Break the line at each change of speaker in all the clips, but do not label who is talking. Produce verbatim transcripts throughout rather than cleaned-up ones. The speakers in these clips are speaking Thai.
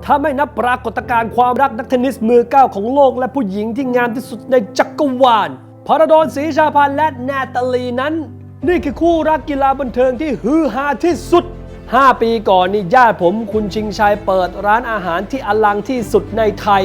ถ้าไม่นับปรากฏการณ์ความรักนักเทนนิสมือเก้าของโลกและผู้หญิงที่งามที่สุดในจักรวาลพาราดอนศรีชาพันธ์และนาตาลีนั้นนี่คือคู่รักกีฬาบันเทิงที่ฮือฮาที่สุดห้าปีก่อนนี่ญาติผมคุณชิงชัยเปิดร้านอาหารที่อลังที่สุดในไทย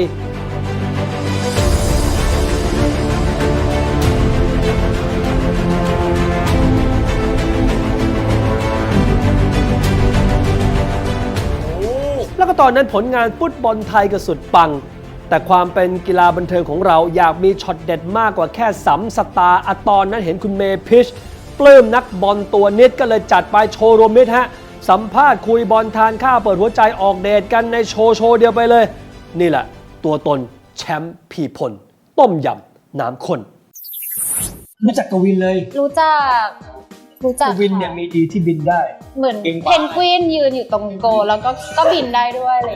แล้วก็ตอนนั้นผลงานฟุตบอลไทยก็สุดปังแต่ความเป็นกีฬาบันเทิงของเราอยากมีช็อตเด็ดมากกว่าแค่สัมสตาร์อะตอนนั้นเห็นคุณเมย์พิชปลื้มนักบอลตัวนิดก็เลยจัดไปโชว์รวมมิตรฮะสัมภาษณ์คุยบอลทานข้าวเปิดหัวใจออกเดทกันในโชว์โชว์เดียวไปเลยนี่แหละตัวตนแชมป์พีพลต้มยำน้ำข้นรู้จักกวินเลย
รู้จักรู้จัก
กวินเนี่ยมีดีที่บินได้
เหมือนเพนกวินยืนอยู่ตรงโกแล้วก็ก็บินได้ด้วยเลย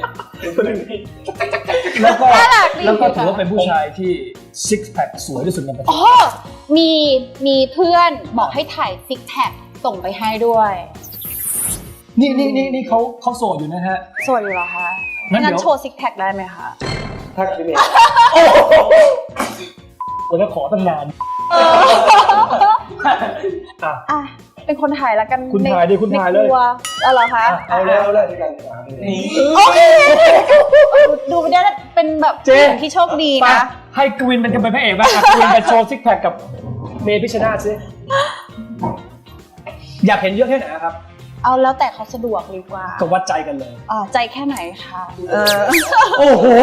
แล้วก็แล้วก็ถือว่าเป็นผู้ชายที่ซิกแพคสวยที่สุดในประเทศ
อ๋อมีมีเพื่อนบอกให้ถ่ายซิกแพคส่งไปให้ด้วย
นี่นี่นี่นี่เขาเขาโสดอยู่นะฮะ
โสดอยู่เหรอคะงั้นโชว์ซิกแพคได้ไหมคะ
ถ้าพี่เมย์โอ้โหแล้วขอตั้งนาน
อ่ะเป็นคนถ่ายแล้วกัน
คุณถ่ายดิคุณถ่ายเลย
เอาเหรอคะ
เอาแล้วเอาแล้วด้วยกัน
โอเคดูไปได้เป็นแบบที่โชคดีนะ
ให้กวินเป็นกันเป็นพระเอกบ้างกวินไปโชว์ซิกแพคกับเมย์พิชนาธิ์ซิอยากเห็นเยอะแค่ไหนครับ
เอาแล้วแต่เขาสะดวกดีกว่า
ก็วัดใจกันเลย
อ่าใจแค่ไหนคะเออ
โอ้โห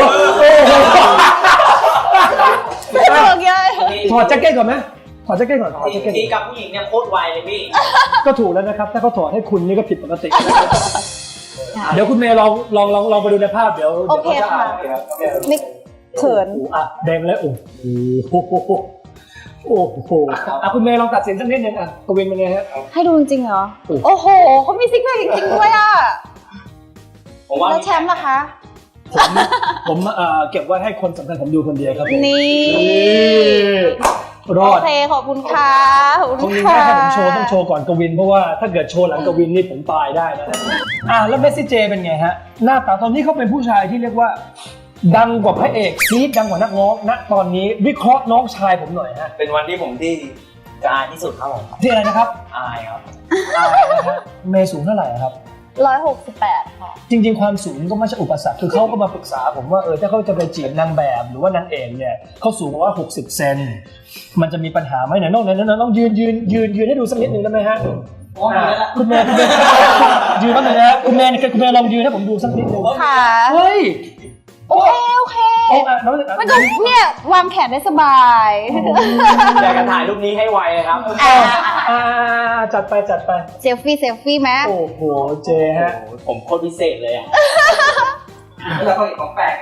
สะดวกเยอะ
ถอดแจ็คเก็ตก่อนไหมถอดแจ็คเก็ตก่อนถอดแจ็คเก็ต
ที่กับผู้หญิงเนี่ยโคตรไวเลยพี่
ก็ถูกแล้วนะครับถ้าเขาถอดให้คุณนี่ก็ผิดปกติเดี๋ยวคุณเมย์ลองลองลองลองไปดูในภาพเดี๋ยว
โอเคค่ะไม่เขิน
อ่ะแดงแล้วโอ้โหโอ้โหอ่ะคุณเมย์ลองตัดสินสักนิดนึงอ่ะกวินเป็นไงฮะ
ให้ดูจริงเหรอโอ้โหเขามีซิกแพคจริงๆด้วยอ่ะแล้วแชมป์ล่ะคะ
ผมผมเอ่อเก็บไว้ให้คนสำคัญผมดูคนเดียวครับ
นี่
รอด
โอเคขอบคุณค่ะ
ขอบคุณค่ะให้ผมโชว์ต้องโชว์ก่อนกวินเพราะว่าถ้าเกิดโชว์หลังกวินนี่ผมตายได้นะอ่ะแล้วเมสซี่เจเป็นไงฮะหน้าตาตอนนี้เขาเป็นผู้ชายที่เรียกว่าดังกว่าพระเอกซีดดังกว่านักร้องณตอนนี้วิเคราะห์น้องชายผมหน่อยฮะ
เป็นวันที่ผมที่จะอายที่สุดครับผม
ที่อะไรนะครับ
อายครับ
อายนะฮะเมย์สูงเท่าไหร่ครับ
ร้อยหกสิบแปดค่ะ
จริงๆความสูงก็ไม่ใช่อุปสรรคคือเขาก็มาปรึกษาผมว่าเออถ้าเขาจะไปจีบนางแบบหรือว่านางเอกเนี่ยเขาสูงกว่าหกสิบเซนมันจะมีปัญหาไหมไหนน้องไหนน้องน้องยืนยืนยืนยืนให้ดูสักนิดนึงได้ไหมฮะคุณแม่คุณแม่ยืนบ้างเลยนะคุณแม่คุณแม่ลองยืนให้ผมดูสักนิดนึง
ค่ะ
เฮ้ย
โอเคโอเคมันก็เนี่ยวางแขนได้สบาย
อยากจะถ่ายรูปนี้ให้ไวครับ
อ่าจัดไปจัดไป
เซลฟี่เซลฟี่ไหม
โอ้โหเจฮะ
ผมโคตรพิเศษเลยอ่ะแล้วก็อีกของแปลก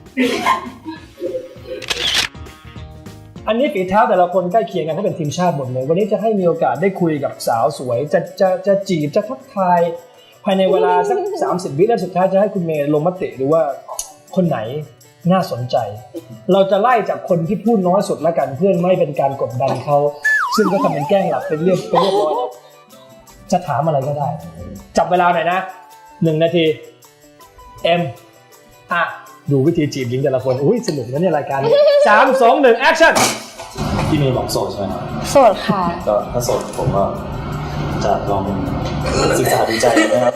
อันนี้ฝีเท้าแต่ละคนใกล้เคียงกันเขาเป็นทีมชาติหมดเลยวันนี้จะให้มีโอกาสได้คุยกับสาวสวยจะจะจะจีบจะทักทายภายในเวลาสักสามสิบวิแล้วสุดท้ายจะให้คุณเมย์ลงมติดูว่าคนไหนน่าสนใจเราจะไล่จากคนที่พูดน้อยสุดละกันเพื่อไม่เป็นการกดดันเขาซึ่งก็ทำเป็นแกล้งหลับเป็นเรียบเป็นเรียบร้อยแล้วจะถามอะไรก็ได้จับเวลาหน่อยนะหนึ่งนาทีเอ็มอ่ะดูวิธีจีบหญิงแต่ละคนอุ้ยสนุกนะเนี่ยรายการนี้สามสองหนึ่งแอคชั่น
พี่เมย์บอกโสดใช่ไหมครับ
โสดค่ะ
ก็ถ้าโสดผมก็จะลองศึกษาดูใจนะครับ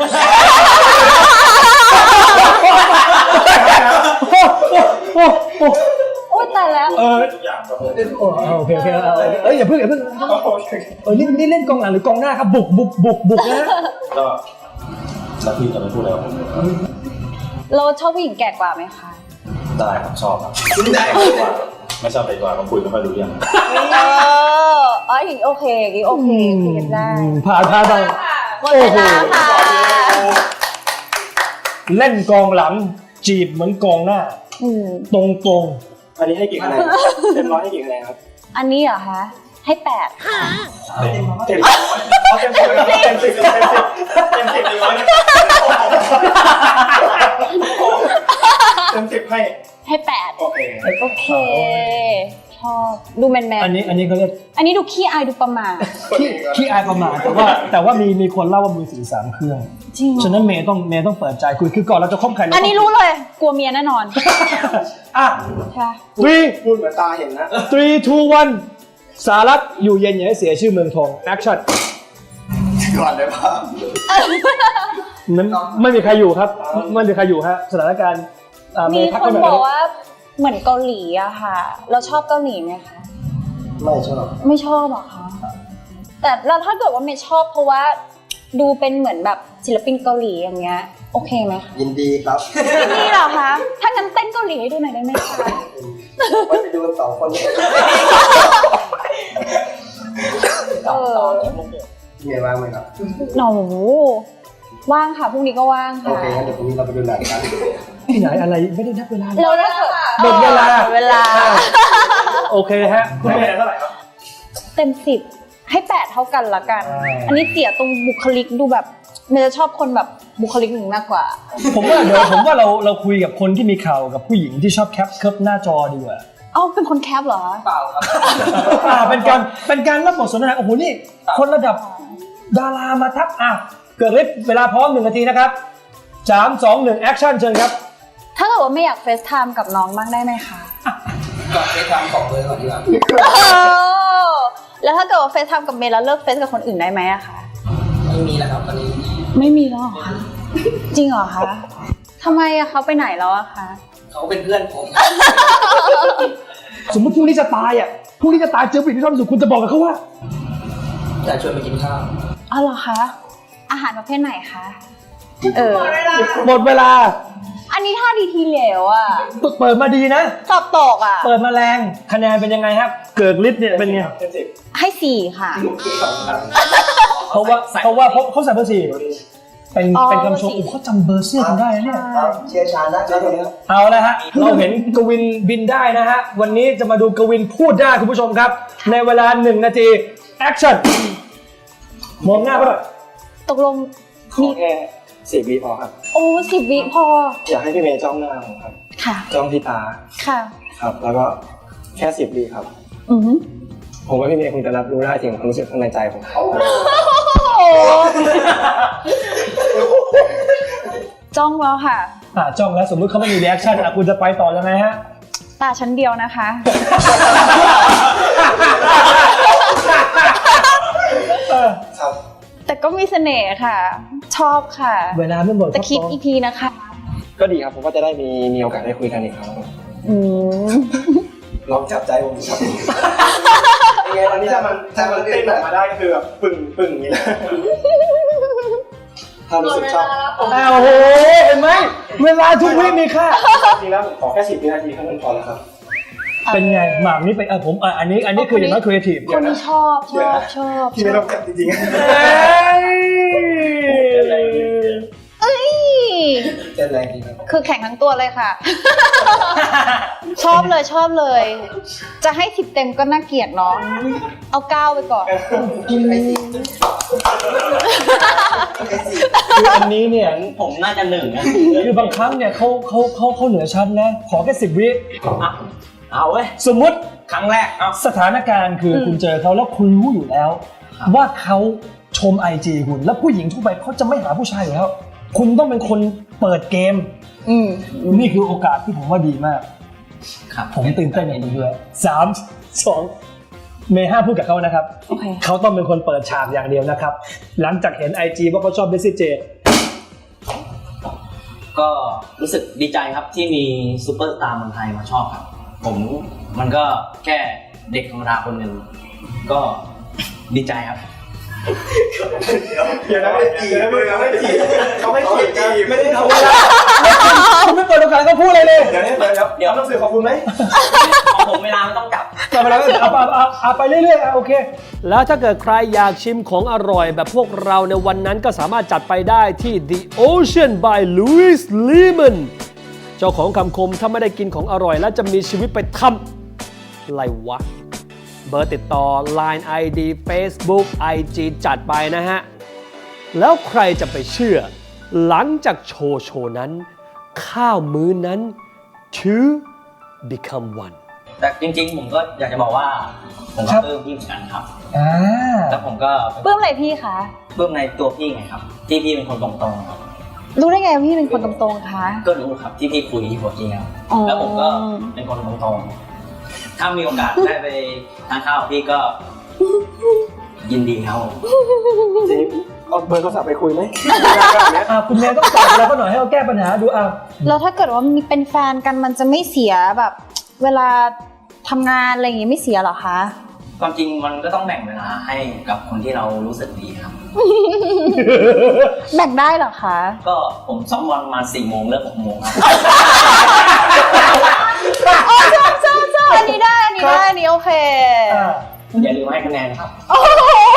โอ้ยตายแล้ว
เออโอเคโอเคเอ้ยอย่าเพิ่งอย่าเพิ่งเออนี่นี่เล่นกองหลังหรือกองหน้าครับบุกบุกบุกบุกนะ
ก็แล้วพี่จะไม่พูดแล้ว
เราชอบผู้หญิงแก่กว่าไหมคะ
ได้ครับชอบครับไม่ชอบเด็กกว่าก็คุยไม่ค่อยรู้เรื่อง
เอออ๋อหญิงโอเคหญิงโอเคคุยกันได้
ผ่านผ่านไป
หมดเวลาค่ะ
เล่นกองหลังจีบเหมือนกองหน้าตรงตรง
อันนี้ให้กี่คะแนนเต็มร้อยให้กี่คะแนนครับ
อันนี้เหรอคะให้แปด
เต็มเต็มสิบเต็มสิบเต็มสิบเต็มสิบเต็มสิบให้
ให้แปด
โอเค
โอเคชอบดูแมนแมน
อันนี้อันนี้เขาเรียก
อันนี้ดูขี้อายดูประหม่า
ขี้ขี้อายประมาทแต่ว่าแต่ว่ามีมีคนเล่าว่ามือถือสามเครื่อง
จริง
ฉะนั้นเมย์ต้องเมย์ต้องเปิดใจคุยคือก่อนเราจะคบใครเรา
อันนี้รู้เลยกลัวเมียแน่นอน
อ่ะ
ใช่
three
พูดเหมือนตาเห็นนะ
three two one สารัตอยู่เย็นอย่าให้เสียชื่อเมืองทอง action
ก่อนได้ป่ะ
นั้นไม่มีใครอยู่ครับไม่มีใครอยู่ฮะสถานการณ์อ่าเม
มี
ย์พัก
ค
ไป
น
หน่
บ
อ
อก
ย
ว่าเหมือนเกาหลีอะค่ะ เราชอบเกาหลีไหมคะ
ไม่ชอบ
ไม่ชอบหรอคะแต่เราถ้าเกิดว่าไม่ชอบเพราะว่าดูเป็นเหมือนแบบศิลปินเกาหลีอย่างเงี้ยโอเคไหมคะ
ยินดีครับ
นี่เหรอคะถ้างั้นเต้นเกาหลีให้ดูหน่อยได้ไหมคะ
ว่าไปดูกันสองคน
เออ
เมียว่างไหมครับ
หนูว่างค่ะพรุ่งนี้ก็ว่าง
โอ
ค่ะ
เคงั้นเดี๋ยวพรุ่งนี้เราไปดูหนังกัน
ที่ไหนอะไรไม่ได้นับเวลา
เราถ้าเกิด
หมดเวลา
หมดเวลา
โอเคฮะคุณ
ให้
เม
คะแนน
ย์
เท่าไหร่ครับ
เต็มสิบให้แปดเท่ากันละกัน
อ่า
อันนี้เสียตรงบุคลิกดูแบบเมย์จะชอบคนแบบบุคลิกหนึ่งมากกว่า
ผมว่าเดี๋ยวผมว่าเราเราคุยกับคนที่มีข่าวกับผู้หญิงที่ชอบแคปเคิร์ฟหน้าจอดีกว่า
เอ้าเป็นคนแคปเหรอ
เปล่าครับ
อ่าเป็นการเป็นการรับบทสนทนาโอ้โหนี่คนระดับดารามาทักอ่ะเกิดฤทธิ์เวลาพร้อมหนึ่งนาทีนะครับสามสองหนึ่งแอคชั่นเชิญครับ
ถ้าเกิดว่าไม่อยากเฟซไทม์กับน้องบ้างได้ไหมคะ
ก่อนไปทำของเลยก่อนดีกว่า
เออแล้วถ้าเกิดว่าเฟซไทม์กับเมย์แล้วเลิกเฟซกับคนอื่นได้ไหมอะคะ
ไม่มีแล้วครับตอนนี้
ไม่มีแล้วเหรอคะจริงเหรอคะทำไมอะเขาไปไหนแล้วอะคะ
เขาเป็นเพื่อนผม
สมมติพรุ่งนี้จะตายอ่ะพรุ่งนี้จะตายเจอผู้หญิงที่ชอบที่สุดคุณจะบอกกับเขาว่า
อยากชวนไปกินข้าว
อ๋อเหรอคะอาหารประเภทไหนคะเออ
หมดเวลา
อันนี้ท่าดีทีเหลวอะ
เปิดมาดีนะ
สอบตกอะ
เปิดมาแรงคะแนนเป็นยังไงครับ เกิดฤทธิ์เนี่ยเป็นไง
เต็มสิบ
ให้สี่ค่ะ
สองครับ
เพราะว่าเพราะว่าเขาเขาใส่เบอร์สี่เป็นเป็นคำชมโอ้เขาจำเบอร์เสื้อคุณได้นะเนี่ย
ครับเชียร์ชาญนะเจ้าตัวนี้
เอาละฮะ เราเห็นกวินบินได้นะฮะ วันนี้จะมาดูกวินพูดได้คุณผู้ชมครับ ในเวลาหนึ่งนาทีแอคชั่นมองหน้าเขาหน่อย
ตกลง
ขอแค่สิบวิพอครับ
โอ้สิบวิพอ
อยากให้พี่เมย์จ้องหน้าผมครับ
ค่ะ
จ้องที่ตา
ค่ะ
ครับ แล้วก็แค่สิบวิครับ
อือหือ
ผมว่าพี่เมย์คงจะรับรู้ได้ถึงความรู้สึกข้างในใจผม
โอ้จ้องแล้วค่ะ
อ่าจ้องแล้วสมมติเขาไม่มีรีแอคชั่นอ่ะคุณจะไปต่อยังไงฮะ
ตาชั้นเดียวนะคะ
ครับ
แต่ก็มีเสน่ห์ค่ะ ชอบค่ะ
เวลาไม่หมด
แต่คิดอีกทีนะคะ
ก็ดีครับผมก็จะได้มีมีโอกาสได้คุยกันอีกครั้ง
อืม
ลองจับใจผมครับยังไงตอนนี้ถ้ามันถ้ามันเต้นออกมาได้ก็คือแบบปึ่งปึ่งนี่แหละถ้ารู้สึกชอบ
อ้าวโอ้โหเห็นไหมเวลาทุกวิมีค่า
จริงแล้วผมขอแค่สิบวินาทีเท่านั้นพอแล้วครับ
เป็นไงหมากนี่ไปเออผมอ่ะอันนี้อันนี้คืออย่างน้อยครีเอทีฟ
คนนี้ชอบชอบชอบ
ที่ไม่ต้องจับจริง
เอ้ย
ๆเต้นแรงจริงครับ
คือแข่งทั้งตัวเลยค่ะ ชอบเลยชอบเลย จะให้สิบเต็มก็น่าเกลียดน้อง เอาเก้าไปก่อน
คืออันนี้เนี่ย
ผมน่าจะหนึ่งนะ
คือบางครั้งเนี่ยเขาเขาเขาเขาเหนือชั้นนะ ขอแค่สิบวิ
อ่ะเอาเว้ย
สมมติ
ครั้งแรกเอา
สถานการณ์คืออ
ม
คุณเจอเขาแล้วคุณรู้อยู่แล้ว ว่าเขาชมไอจีคุณ แล้วผู้หญิงทั่วไปเขาจะไม่หาผู้ชายอยู่แล้ว คุณต้องเป็นคนเปิดเกม
อืม
นี่คือโอกาสที่ผมว่าดีมาก
ครับ
ผมตื่นเต้นอย่างนี้ด้วยสามสองเมย์ห้าพูดกับเขานะครับ
โอเค
เขาต้องเป็นคนเปิดฉากอย่างเดียวนะครับ หลังจากเห็น ไอ จี ว่าเขาชอบเบสซี่เจ
ก็รู้สึกดีใจครับที่มีซูเปอร์สตาร์เมืองไทยมาชอบครับ ผมมันก็แค่เด็กธรรมดาคนหนึ่งก็ดีใจครับ
เดี๋ยวนะไม่จีบเขาไม่จีบเขาไม่จีบกันไม่ได้ทำ
คุณไม่เปิดโอกาสให้เขาพูดอะไรเลย
เดี๋ยวนี้เดี๋ยวเดี๋ยวต้องสื่อขอบคุณไหม
ของผมเวลาไม่ต้องจับ
กลับมาแล้วเอาเอาเอาเอาไปเรื่อยๆอ่ะโอเค แล้วถ้าเกิดใครอยากชิมของอร่อยแบบพวกเราในวันนั้นก็สามารถจัดไปได้ที่ The Ocean by Louis Lehman เจ้าของคำคมถ้าไม่ได้กินของอร่อยแล้วจะมีชีวิตไปทำอะไรวะ เบอร์ติดต่อ ไลน์ ไอ ดี Facebook ไอ จี จัดไปนะฮะ แล้วใครจะไปเชื่อ หลังจากโชว์โชว์นั้น ข้าวมื้อนั้น two become one
แต่จริงๆผมก็อยากจะบอกว่าผมก็
ครับ
ปลื้มพี่เหมือนกันครับ
อ่า
แล้วผมก็
ปลื้มอะไรพี่คะ
ปลื้มในตัวพี่ไงครับ ที่พี่เป็นคนตรงๆครับ
รู้ได้ไงว่าพี่เป็นคนตรงๆคะ
ก็รู้ครับที่พี่คุยหัวจริงครับ
อ๋อ
แล้วผมก็เป็นคนตรงๆถ้ามีโอกาสได้ไปทานข้าวกับพี่ก็ยินดีครับผม
ทีนี้เอาเบอร์โทรศัพท์ไปคุยไหม
อ่าคุณแม่ต้องตอบอะไรเขาหน่อยให้เขาแก้ปัญหาดูอ่ะ
แล้วถ้าเกิดว่ามีเป็นแฟนกันมันจะไม่เสียแบบ เวลาทำงานอะไรอย่างงี้ไม่เสียเหรอคะ
ความจริงมันก็ต้องแบ่งเวลาให้กับคนที่เรารู้สึกดีครับ
แบ่งได้เหรอคะ
ก็ผมซ้อมบอลมาสี่โมงเลิกหกโมงครับ
โอ้ชอบชอบชอบอันนี้ได้อันนี้ได้อันนี้โอเค
อ่า
อย่าลืมให้คะแนนนะครับ
โอ้โห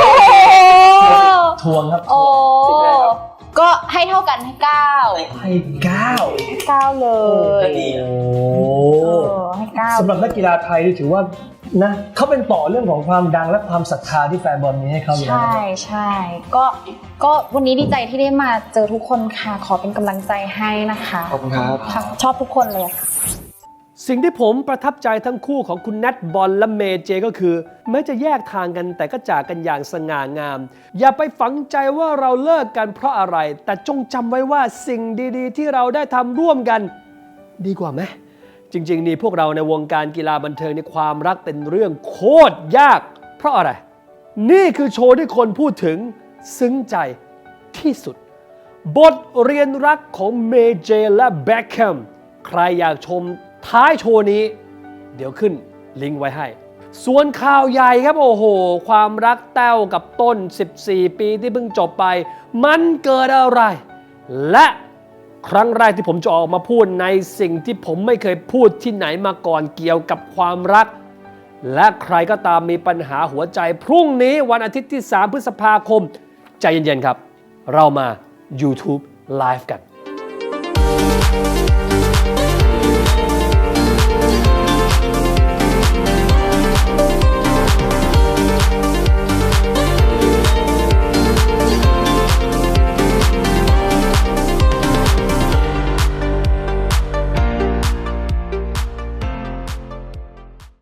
ทวงครับ
โอ้ก็ให้เท่ากันให้เก้า
ให้เก้า
เก้าเลย
ก็ดี
โอ้
เออให้เก้า
สำหรับนักกีฬาไทยนี่ถือว่านะเขาเป็นต่อเรื่องของความดังและความศรัทธาที่แฟนบอลมีให้เขาอยู่แล้ว
ใช่
นะครับ
ใช่ก็ก็วันนี้ดีใจที่ได้มาเจอทุกคนค่ะ ขอเป็นกำลังใจให้นะคะ
ขอบคุณครับ
ค่ะชอบทุกคนเลยค่ะ
สิ่งที่ผมประทับใจทั้งคู่ของคุณแนทบอลและเมเจก็คือแม้จะแยกทางกันแต่ก็จากกันอย่างสง่างาม อย่าไปฝังใจว่าเราเลิกกันเพราะอะไร แต่จงจำไว้ว่าสิ่งดีๆ ที่เราได้ทำร่วมกัน ดีกว่าไหมจริงๆนี่พวกเราในวงการกีฬาบันเทิงในความรักเป็นเรื่องโคตรยาก เพราะอะไร นี่คือโชว์ที่คนพูดถึงซึ้งใจที่สุด บทเรียนรักของเมเจและแบ็คแฮมใครอยากชมท้ายโชว์นี้ เดี๋ยวขึ้นลิงก์ไว้ให้ ส่วนข่าวใหญ่ครับโอ้โห ความรักแต้วกับต้นสิบสี่ปีที่เพิ่งจบไป มันเกิดอะไร และครั้งแรกที่ผมจะออกมาพูดในสิ่งที่ผมไม่เคยพูดที่ไหนมาก่อนเกี่ยวกับความรัก และใครก็ตามมีปัญหาหัวใจพรุ่งนี้วันอาทิตย์ที่สามพฤษภาคมใจเย็นๆครับ เรามา YouTube Live กัน